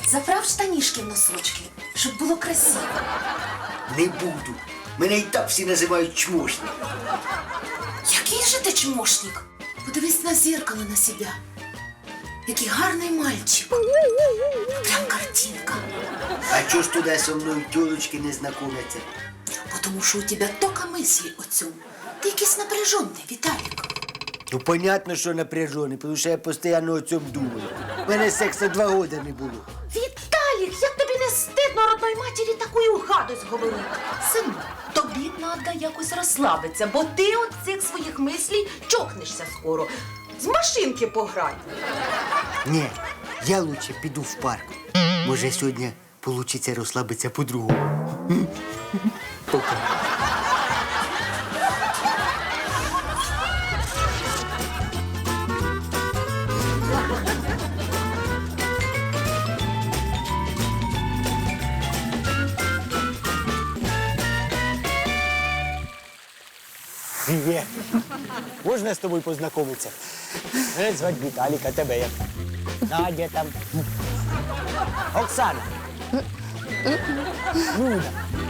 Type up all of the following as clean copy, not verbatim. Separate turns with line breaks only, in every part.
заправ штанішки в носочки, щоб було красиво.
Не буду. Мене і так всі називають чмошник.
Який же ти чмошник? Подивись на зеркало на себе. Який гарний мальчик. Прям картинка.
А чого ж туди со мною тілочки не знайомляться?
Потому що у тебе тільки мислі о цьому. Ти якийсь напряжений, Віталік.
Ну, понятно, що напряжений, тому що я постійно о цьому думаю. У мене сексу 2 роки не було.
Віталік, як тобі не стидно родної матері таку гадость говорити? Сину, тобі треба якось розслабитися, бо ти от цих своїх мислій чокнешся скоро. З машинки пограй.
Ні, я лучше піду в парк. Може, сьогодні вийде розслабитися по-другому. Пока.
Привет. Можна з тобою познайомитися? Мене звати Віталік, а тебе як? Надя там. Оксана. Люда.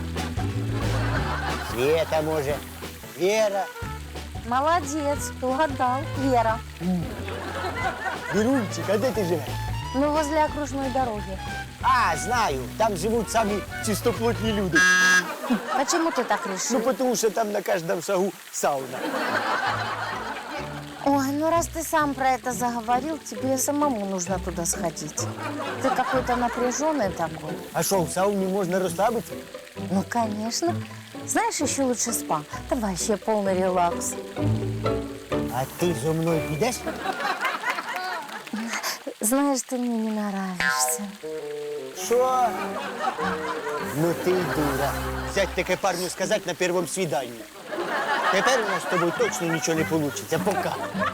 Света, може. Вера.
Молодец, угадал. Вера.
Вірунчик, а де ти живеш?
Ну, возле окружной дороги.
А, знаю, там живуть самі чистоплотні люди.
Почему ты так
Ну,
решил?
тому що там на кожному шагу сауна.
Ой, ну раз ты сам про это заговорил, тебе самому нужно туда сходить. Ты какой-то напряженный такой.
А що, в сауні можна розслабитися?
Ну, конечно. Знаешь, еще лучше спа. Там вообще полный релакс.
А ти зо мною підеш?
Знаешь, ты мне не нравишься.
Що? Ну ти й дура. Сядь таке парню сказати на першому свіданні. Тепер у нас з тобою точно нічого не вийде. Пока.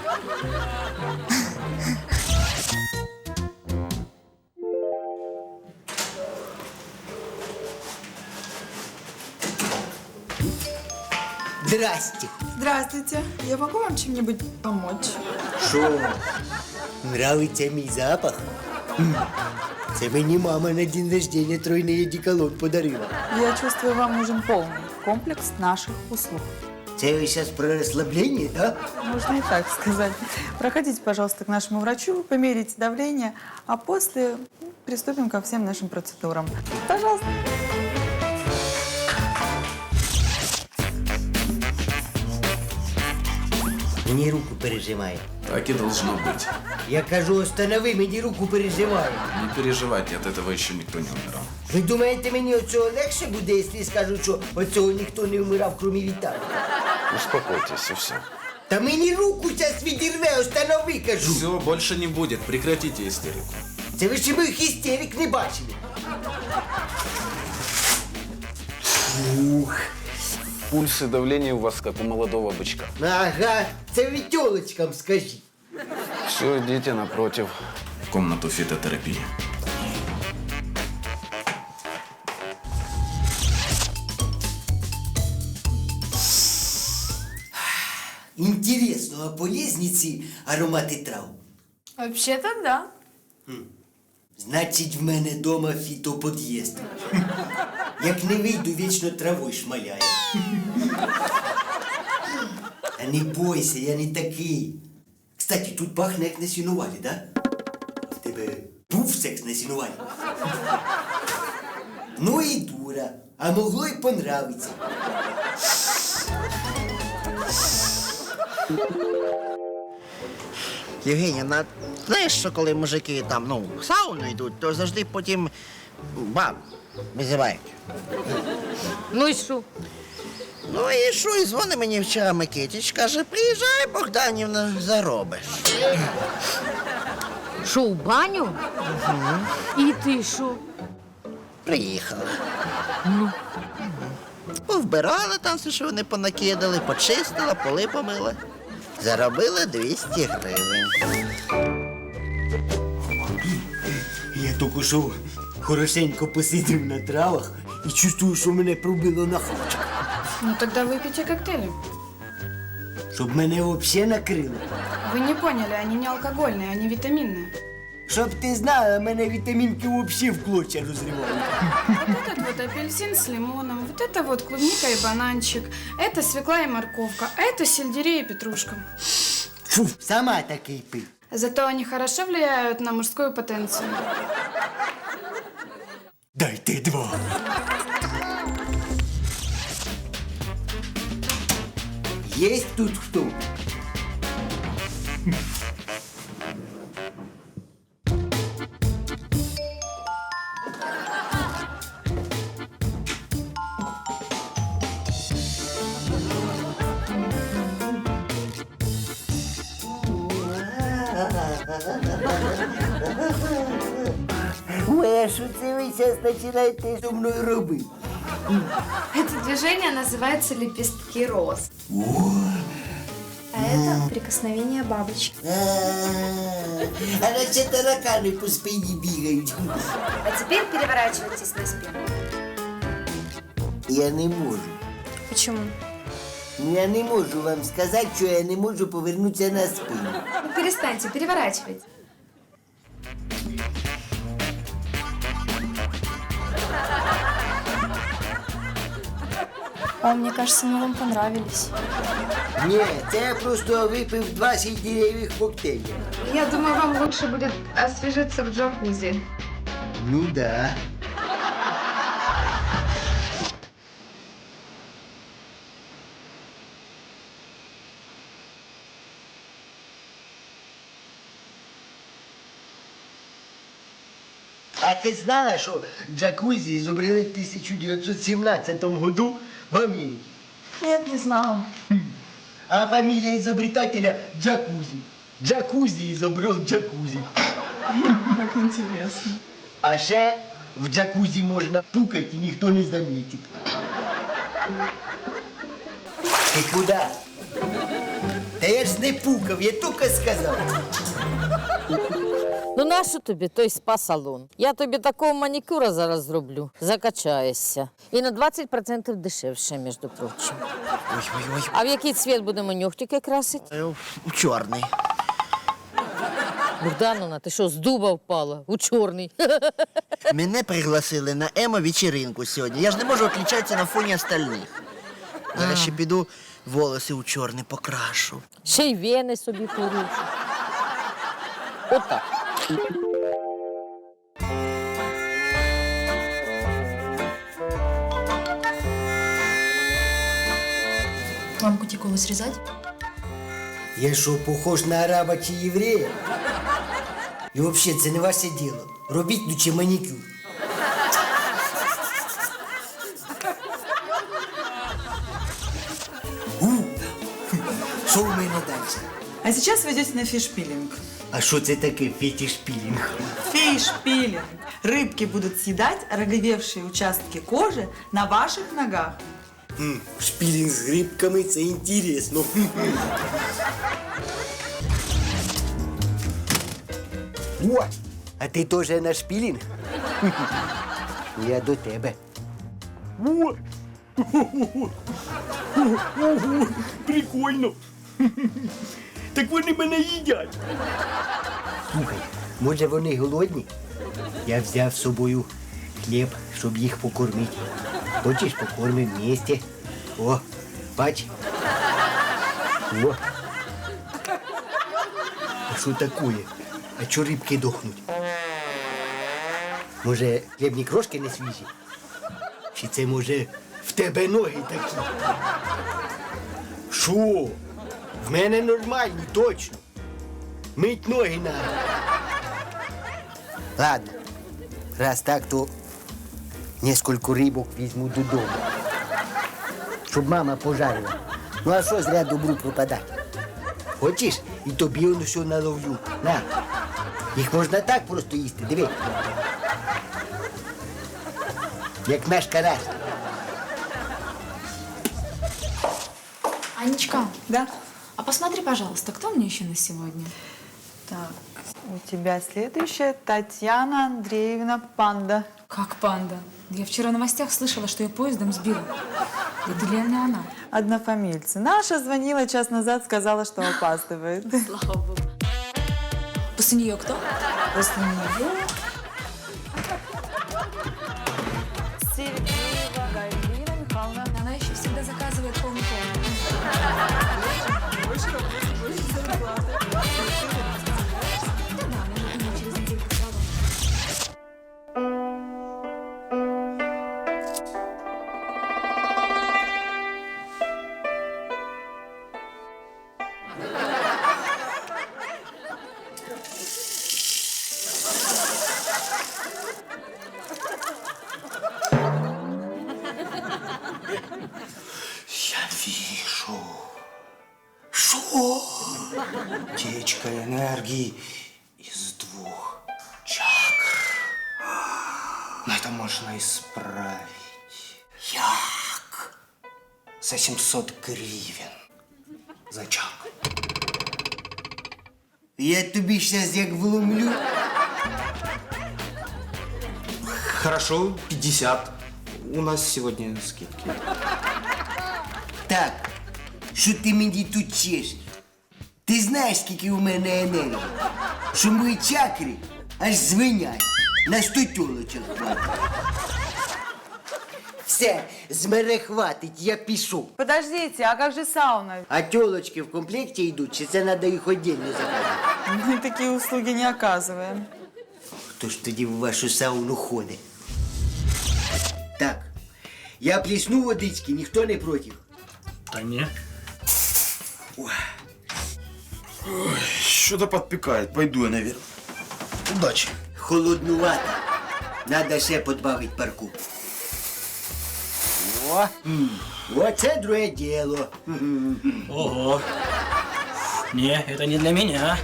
Здрасте.
Здравствуйте. Я могу вам чем-нибудь помочь?
Що? Нравиться мій запах? Це мені мама на день рождения тройний одеколон подарила.
Я чувствую, вам нужен полный комплекс наших услуг.
Це ви зараз про розслаблення, так?
Можно и так сказать. Проходите, пожалуйста, к нашему врачу, померите давление, а после приступим ко всем нашим процедурам. Пожалуйста.
Мені руку пережимає.
Так и должно быть.
Я кажу, останови, мені руку пережимає.
Не переживайте, от этого еще никто не умирал.
Ви думаєте, мені оцього легше буде, якщо я скажу, що оцього ніхто не вмирав, крім Віталія?
Успокойтесь, и все.
Та мені руку зараз відірве, останови, кажу.
Все, больше не будет. Прекратите истерику.
Це ви ще моїх істерик не бачили. Ух.
Пульс и давление у вас как у молодого бычка.
Ага, це ви тьолочкам скажіть.
Все, идите напротив. В комнату фитотерапии.
Інтересно, а полезні ці аромати трав?
Вообще-то да.
Значить, в мене дома фітопод'їзд. Як не вийду, вічно травою шмаляє. Та не бойся, я не такий. Кстати, тут пахне як на сінувалі, да? В тебе був секс на сінувалі? Ну і дура, а могло й понравиться.
Євгенія, знаєш, що коли мужики там, в сауну йдуть, то завжди потім баб визивають.
Ну и что?
Ну і що, і дзвонить мені вчора Микитич, каже, приїжджай, Богданівна, заробиш.
Шо, в баню? И ты шо?
Приїхала. Повбирала там все, що вони понакидали, почистила, поли помила. Заробила 200 гривень.
Я тільки що хорошенько посидів на травах і чувствую, що мене пробило на хавчик.
Ну тогда выпейте коктейли.
Щоб мене взагалі накрило.
Вы не поняли, они не алкогольные, они витаминные.
Щоб ти знала, мене вітамінки взагалі в клочья розривають.
Вот этот вот апельсин с лимоном, вот это вот клубника и бананчик, это свекла и морковка, а это сельдерей и петрушка.
Фу, сама такий пий.
Зато они хорошо влияют на мужскую потенцию.
Дайте 2. Есть тут кто? Ой, а що це ви зараз починаєте зі мною робити?
Это движение называется лепестки роз. А это прикосновение бабочки.
А наче таракани по спині бігають.
А теперь переворачивайтесь на спину.
Я не можу.
Почему?
Я не можу вам сказати, що я не можу повернутися на спину.
Ну, перестаньте, переворачивайте. О, мне кажется, мы вам понравились.
Ні, це я просто випив 2 сельдереевых коктейля.
Я думаю, вам лучше будет освежиться в джакузи.
Ну да. А ти знала, що джакузі зобрели в 1917 году в Америці?
Нет, не знала.
А фамилия изобретателя Джакузи. Джакузи изобрел джакузи.
Как интересно.
А ще в джакузі можна пукать і ніхто не заметить. Ти куди? Та я ж не пукав, я тільки сказав.
Ну нащо тобі той спа-салон? Я тобі такого манікюра зараз зроблю. Закачаєшся. І на 20% дешевше, між прочим.
Ой-ой-ой.
А в який цвіт будемо нюхтики красити?
У чорний.
Богдановна, ти що, з дуба впала? У чорний.
Мене пригласили на емо-вечеринку сьогодні. Я ж не можу відлічатися на фоні остальних. Зараз ще піду волоси у чорний покрашу.
Ще й вени собі порушу. Отак.
Вам кутикулу срезать?
Я що, похож на араба чи єврея? І взагалі, це не ваше діло. Робіть лучше манікюр. Що у мене далі?
А сейчас вы идете на фишпилинг.
А що це таке фетиш-пілінг?
Фишпилинг. Рыбки будут съедать роговевшие участки кожи на ваших ногах.
Шпілінг з грибками – це інтересно. О, а ти теж на шпілінг? Я до тебе. О! Ого, прикольно. Так вони мене їдять. Слухай, може вони голодні? Я взяв з собою хліб, щоб їх покормити. Хочеш, покормимо вместе? О, бач. О. А що такое? А чо рибки дохнуть? Може, хлібні крошки не свіжі? Чи це, може, в тебе ноги такі? Що? В мене нормальні, точно. Мить ноги надо. Ладно, раз так, то несколько рибок візьму додому. Щоб мама пожарила. Ну а що зря добру пропадати? Хочеш? І тобі воно все наловлю. На. Їх можна так просто їсти, диви. Як наш карась.
Анечка,
Да?
а посмотри, пожалуйста, кто мне еще на сегодня?
Так, у тебя следующая Татьяна Андреевна Панда.
Как панда? Я вчера в новостях слышала, что ее поездом сбила. Это реально она.
Однофамильцы. Наша звонила час назад, сказала, что опаздывает.
Слава богу. После нее кто?
После нее Сергеева Галина Михайловна.
Она еще всегда заказывает полный пол.
Я вижу. Что? Течка энергии из 2 чакр. Но это можно исправить. Як? За 700 гривен. За чакру.
Я тобі щас як вломлю.
Хорошо, 50. У нас сегодня скидки.
Так, що ти мені тут чешеш? Ти знаєш, скільки у мене енергії? Що мої чакри аж звенять. На 100 тілочок хватить. Все, з мене хватить, я пішов.
Подождите, а как же сауна?
А тілочки в комплекті йдуть, чи це треба їх віддільно заказати?
Мы такие услуги не оказываем.
Хто ж тоді в вашу сауну ходить? Так, я плесну водички, ніхто не проти.
Да не. Что-то подпекает. Пойду я наверх. Удачи.
Холоднувато. Надо ще подбавить парку. О, оце друге діло.
Ого. Не, это не для меня.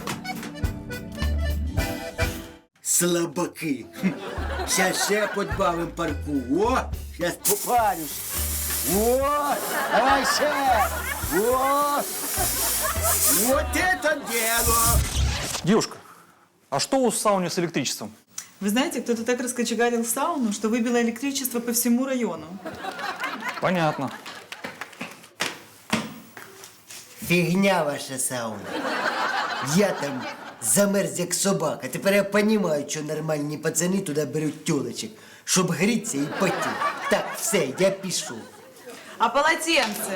Слабаки. Щас ще подбавим парку. О, щас попарюсь. О, давай ще. О, вот это дело.
Девушка, а что у сауны с электричеством?
Вы знаете, кто-то так раскочегарил сауну, что выбило электричество по всему району.
Понятно.
Фігня ваша сауна. Я там замерз як собака. Тепер я розумію, що нормальні пацани туди беруть тюлечок, щоб грітися і потіти. Так, все, я пішов.
А полотенце?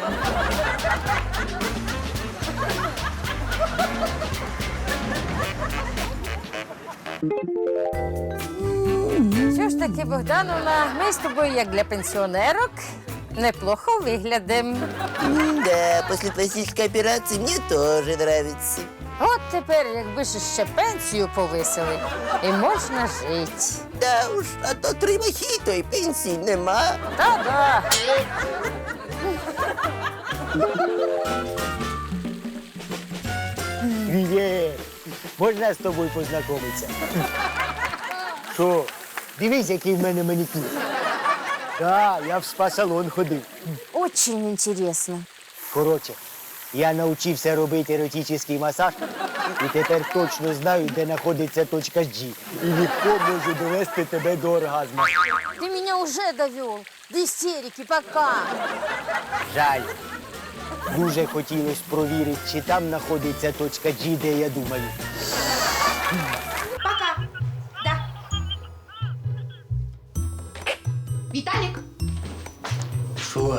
Що ж таки, Богдановна, ми з тобою, як для пенсіонерок, неплохо виглядимо.
Да, после пластической операции мне тоже нравится.
От тепер, якби ж ще пенсію повисили, і можна жити.
Да уж, а то 3 мохито і пенсії нема.
Та-да.
Є, можна з тобою познайомитися? Що, дивись, який в мене манікюр. Так, я в спа-салон ходив.
Очень интересно.
Коротше, я навчився робити еротичний масаж і тепер точно знаю, де знаходиться точка G. І легко можу довести тебе до оргазму.
Ты меня уже довел до истерики, пока.
Жаль. Дуже хотілося провірити, чи там знаходиться точка G, де я думаю.
Пока. Да. Виталик.
Що?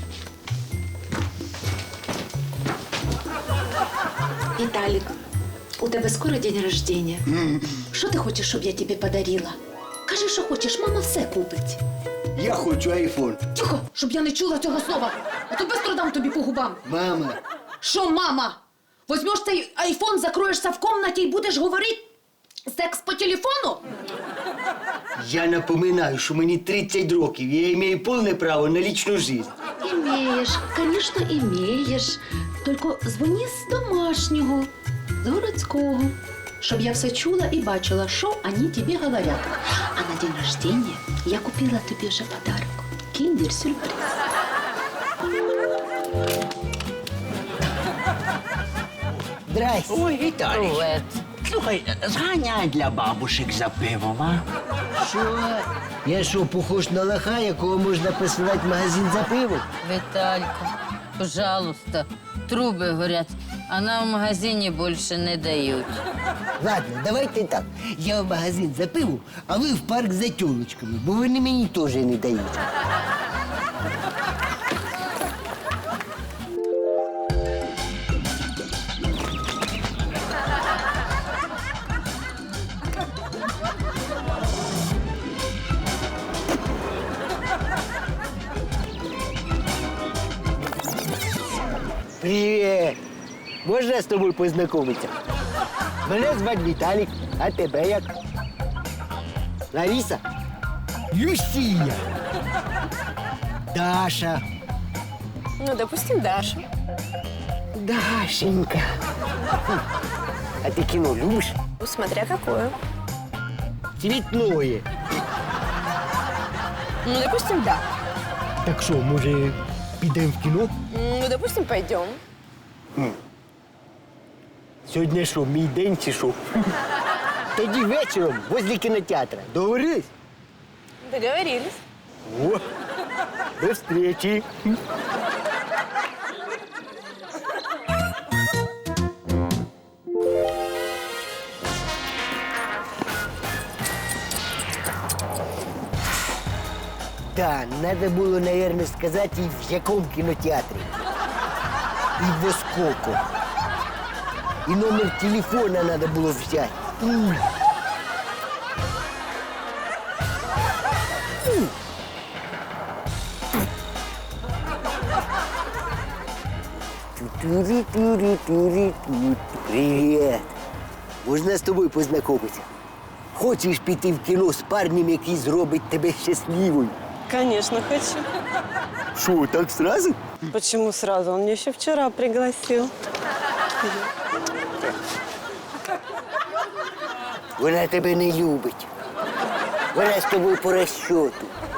Виталик, у тебе скоро день рождения. Що ти хочеш, щоб я тобі подарила? Кажи, що хочеш, мама все купить.
Я хочу айфон.
Тихо, щоб я не чула цього слова. А то быстро дам тобі по губам.
Мама.
Що, мама? Возьмеш цей айфон, закроєшся в комнаті і будеш говорити секс по телефону?
Я напоминаю, що мені 30 років, я маю повне право на лічну життя.
Имеешь, конечно, имеешь. Только дзвони з домашнього, з городського, щоб я все чула і бачила, що вони тобі говорять. А на день рождения я купила тобі вже подарок. Киндер-сюрприз.
Здрасте.
Ой, Віталій.
Привет.
Слухай, зганяй для бабушек за пивом, а?
Що? Я що, похож на лоха, якого можна посилати в магазин за пиво?
Виталька, пожалуйста, труби горять. А нам в магазині більше не дають.
Ладно, давайте так. Я в магазин за пивом, а ви в парк за тілочками, бо вони мені теж не дають. Привіт! Можна з тобою познайомитися? Мене звати Віталік, а тебе як? Лариса? Люсія! Даша!
Ну, допустим, Даша.
Дашенька! А ти кіно любиш?
Ну, смотря какое.
Цвітное.
Ну, допустим, да.
Так що, може, підемо в кіно?
Ну, допустим, пойдем.
Сьогодні що, мій день чи що? Тоді вечором возле кінотеатра. Договорились?
Договорились.
О, до встречи. Да, надо было, наверное, сказать, и в яком кинотеатре. И во сколько. И номер телефона надо было взять. Привет. Можна з тобою познайомитися? Хочеш піти в кіно з парнем, який зробить тебе щасливою?
Конечно, хочу.
Що, так сразу?
Почему сразу? Он меня еще вчера пригласил.
Вона тебе не любить. Вона з тобою по розчету.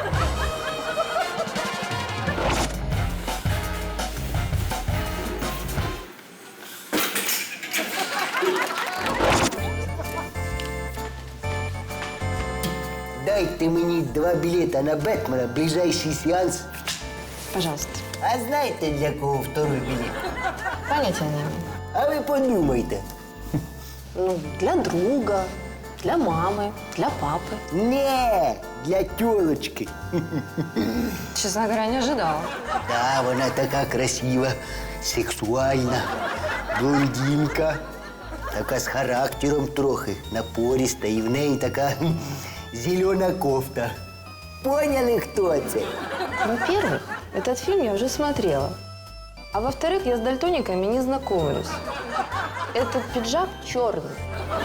Дайте мені 2 білета на Бетмена, ближайший сеанс.
Пожалуйста.
А знаєте, для кого второй білет?
Понятия не имею.
А ви подумайте.
Ну, для друга, для мамы, для папы.
Не, для тілочки.
Честно говоря, не ожидала.
Да, вона така красива, сексуальна, блондинка, така з характером трохи, напориста, і в неї така зелена кофта. Поняли, хто це?
Во-первых, этот фильм я уже смотрела. А во-вторых, я с дальтониками не знакомлюсь. Этот пиджак черный.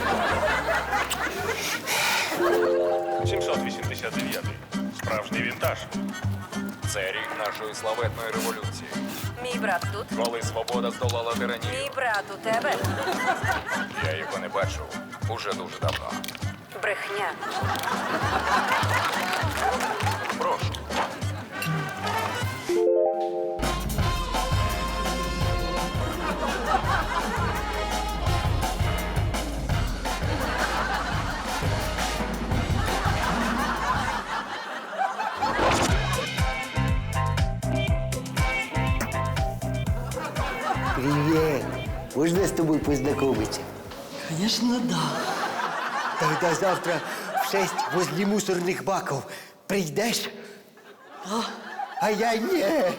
789. Справжній вінтаж. Це рік нашої славетної революції.
Мій брат тут.
Коли свобода здолала тиранію.
Мій брат у тебе.
Я його не бачив уже дуже давно.
Брехня.
Прошу.
Привет. Можна з тобою познайомитися?
Конечно, да.
Тогда завтра в 6 возле мусорных баков прийдеш? А я не.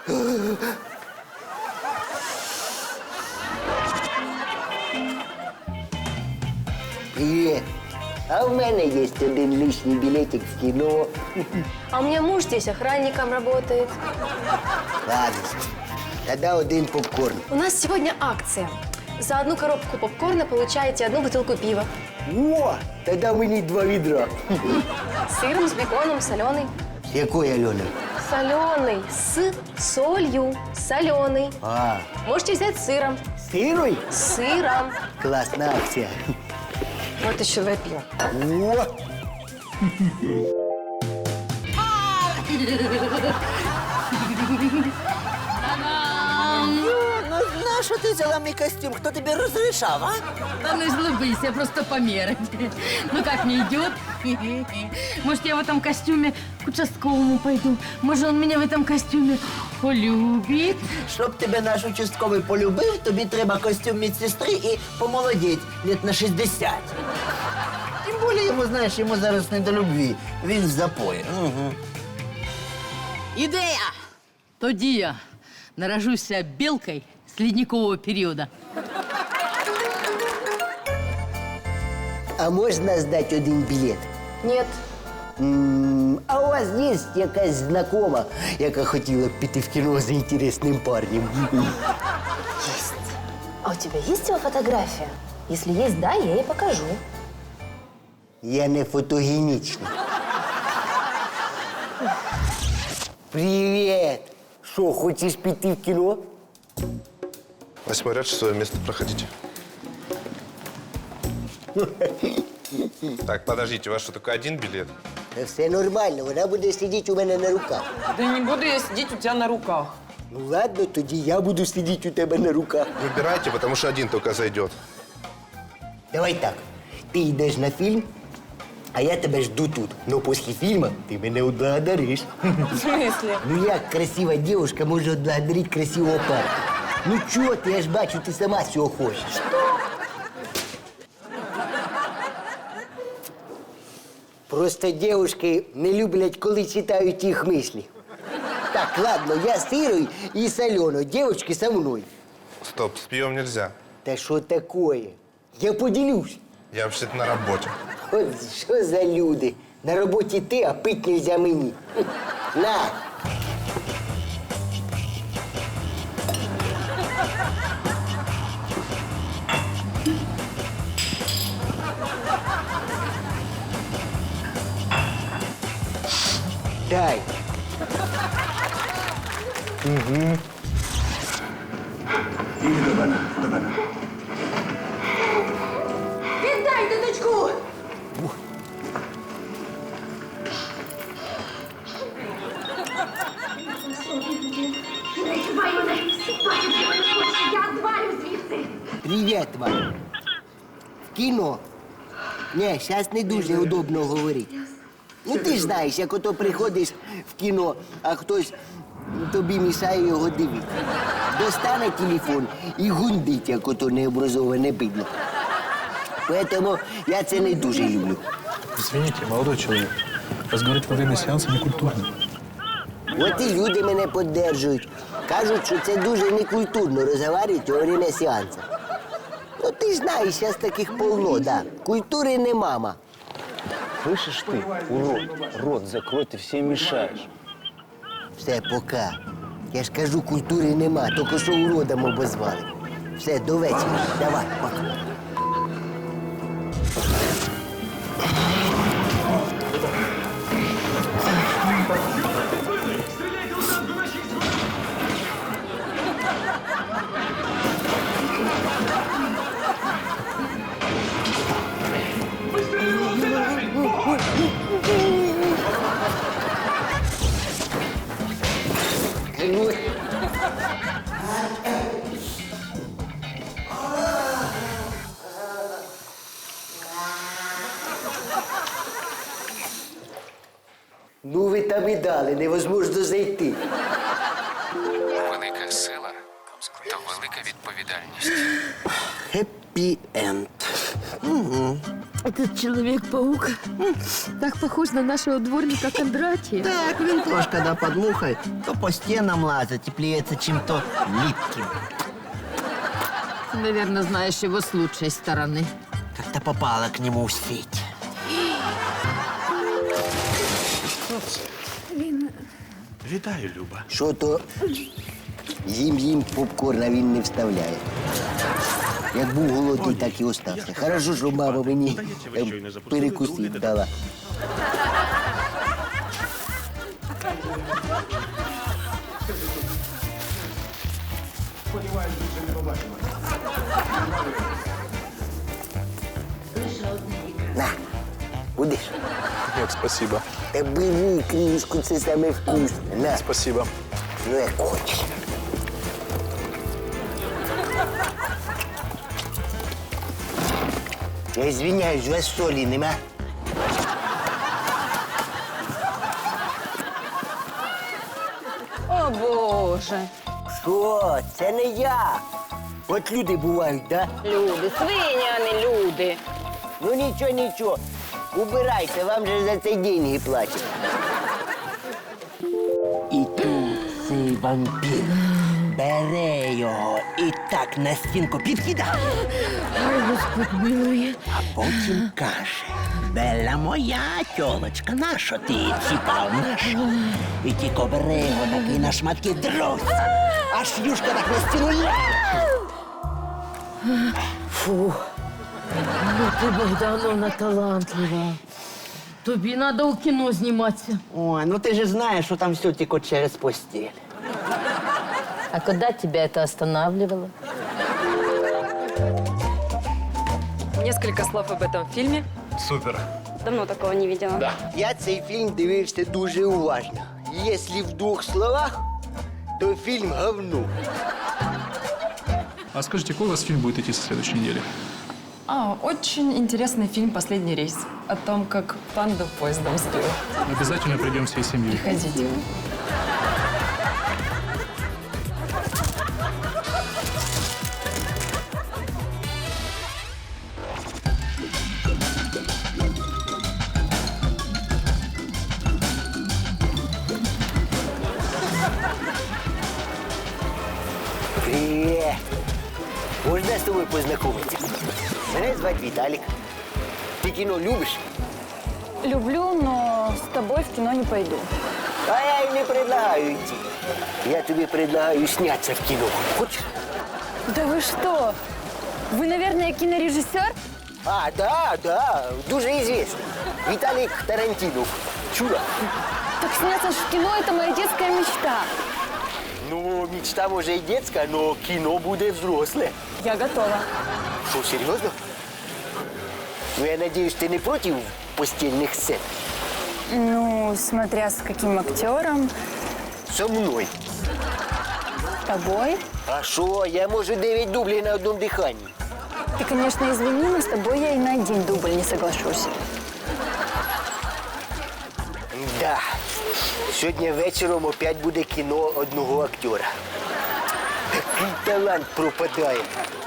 Привет. А у мене є один лишній білетик в кіно.
А у меня муж здесь охранником работает.
Ладно. Тогда один попкорн.
У нас сегодня акция. За одну коробку попкорна получаете одну бутылку пива.
О, тогда мені 2 відра.
С сыром, с беконом, соленый.
Якої, Альона?
Соленый. С солью. Соленый.
А,
Можете взять с сыром.
сирой?
С сыром.
Класна акція.
Вот еще два пива.
О!
на що ти взяла мій костюм? Хто тобі розрішав, а?
Да ну злыбись, я просто померить. Ну как мне идет? Может, я в этом костюме к участковому пойду? Может, он меня в этом костюме полюбит?
Щоб тебе наш участковий полюбив, тобі треба костюм медсестри і помолодіть лет на 60. Тим більше йому, знаєш, йому зараз не до любві. Він в запої. Угу.
Ідея! Тоді я наражуся білкою з ледникового періоду.
А можна здати один білет?
Нет.
А у вас є якась знакома, яка хотіла б піти в кіно за інтересним парнем?
А у тебя есть его фотография? Если есть, да, я ей покажу.
Я не фотогенічний. Привіт! Що, хочеш піти в кіно?
8 ряд, 6 место, проходите. Так, подождите, у вас что, только один билет?
Та все нормально, вона буде сидіти у мене на руках.
Да не буду я сидеть у тебя на руках.
Ну ладно, тоді я буду сидіти у тебе на руках.
Выбирайте, потому что один только зайдет.
Давай так, ти йдеш на фільм, а я тебе жду тут. Но після фільму ти мене отблагодариш.
В смысле?
Ну як красива дівчинка може отблагодарити красивого парня? Ну чого ти, я ж бачу, ти сама цього хочеш. Просто дівчатки не люблять, коли читають їх мислі. Так, ладно, я з Ірою і з Альоною, дівчатки со мною.
Стоп, с пьем нельзя.
Та що такое? Я поділюсь.
Я вообще-то на работе.
От що за люди? На роботі ти, а пить нельзя мені. На! Дай. Угу.
Віддайте дочку!
Привіт вам. В кіно? Ні, зараз не дуже удобно говорити. Ну ти ж знаєш, як ото приходиш в кіно, а хтось тобі мішає його дивитися. Достане телефон і гундить, як ото необразоване бидло. Поэтому я це не дуже люблю.
Извините, молодой человек. Разговаривать во время сеанса некультурно.
От і люди мене підтримують. Кажуть, що це дуже некультурно розмовляти во время сеансу. Ну ти ж знаєш, зараз таких полно, да. Культури не мама.
Слышишь ты, урод, рот закрой, ты всем мешаешь.
Все, пока. Я ж кажу, культури нема, тільки що уродом обозвали. Все, до вечора. Давай, пока. Ну ви там і дали, невозможно зайти.
Велика сила то велика відповідальність.
Хеппі-енд.
Этот Человек-паук так похож на нашего дворника Кондратия.
Так, він теж, коли під мухою, то по стінам лазить і плюється чим-то липким.
Ты, наверное, знаешь его с лучшей стороны.
Как-то попала к нему в сеть.
Вітаю, Люба.
Що то їм попкорн, а він не вставляє. Як був голодний, так і остався. Хорошо, що мама мені перекусити дала. На, будеш?
Нет, спасибо.
Та бери кришку, це саме вкусне. На.
Спасибо.
Ну, як хочеш.
Я извиняюсь, у вас солі нема?
О, Боже.
Що? Це не я. От люди бувають, да?
Люди, свині, а не люди.
Ну нічого, нічого. Убирайте, вам же за це деньги платять. І тут цей вампір бере його і так на стінку підкидає.
Ой, Господь милує.
А потім каже: Белла моя тьолочка, нащо ти ціпав нашу? І тільки бере його такий на шматки друзь. Аж юшка так на стіну ляже.
Фу. Ну ти, Богдановна, талантлива. Тобі треба у кіно зніматися.
Ой, ну ты же знаешь, что там все текут через постель.
А когда тебя это останавливало?
Несколько слов об этом фильме.
Супер.
Давно такого не видела.
Я цей фільм дивився дуже уважно. Якщо в 2 словах, то фільм говно.
А скажите, какой у вас фильм будет идти со следующей недели?
Очень интересный фильм «Последний рейс». О том, как панду поездом сбил.
Обязательно придем всей семьей.
Приходите.
Привіт. Можна з тобою познайомитися? Мене звати Віталік. Ти кіно любиш?
Люблю, но с тобой в кино не пойду.
А я й не предлагаю йти. Я тобі предлагаю снятися в кіно. Хочеш?
Да вы что? Вы, наверное, кинорежиссер?
А, да, дуже известный. Віталік Тарантинов. Чула?
Так сняться ж в кино – это моя детская мечта.
Ну, мечта може і детська, но кіно буде взросле.
Я готова.
Що, серйозно? Ну, я надеюсь, ти не проти постільних сцен?
Ну, смотря с каким актером.
Со мною.
С тобой.
А що, я можу 9 дублей на одному диханні.
Ты, конечно, извини, но с тобой я и на один дубль не соглашусь.
Да. Сьогодні вечором опять буде кіно одного актера. Такий талант пропадає.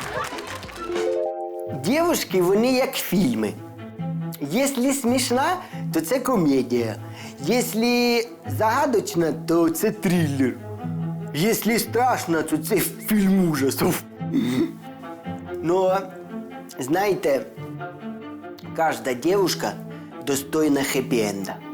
Дівушки, вони як фільми. Якщо смішна, то це комедія. Якщо загадочна, то це трилер. Якщо страшно, то це фільм ужасів. Но, знаєте, кожна дівчинка достойна хеппі-енда.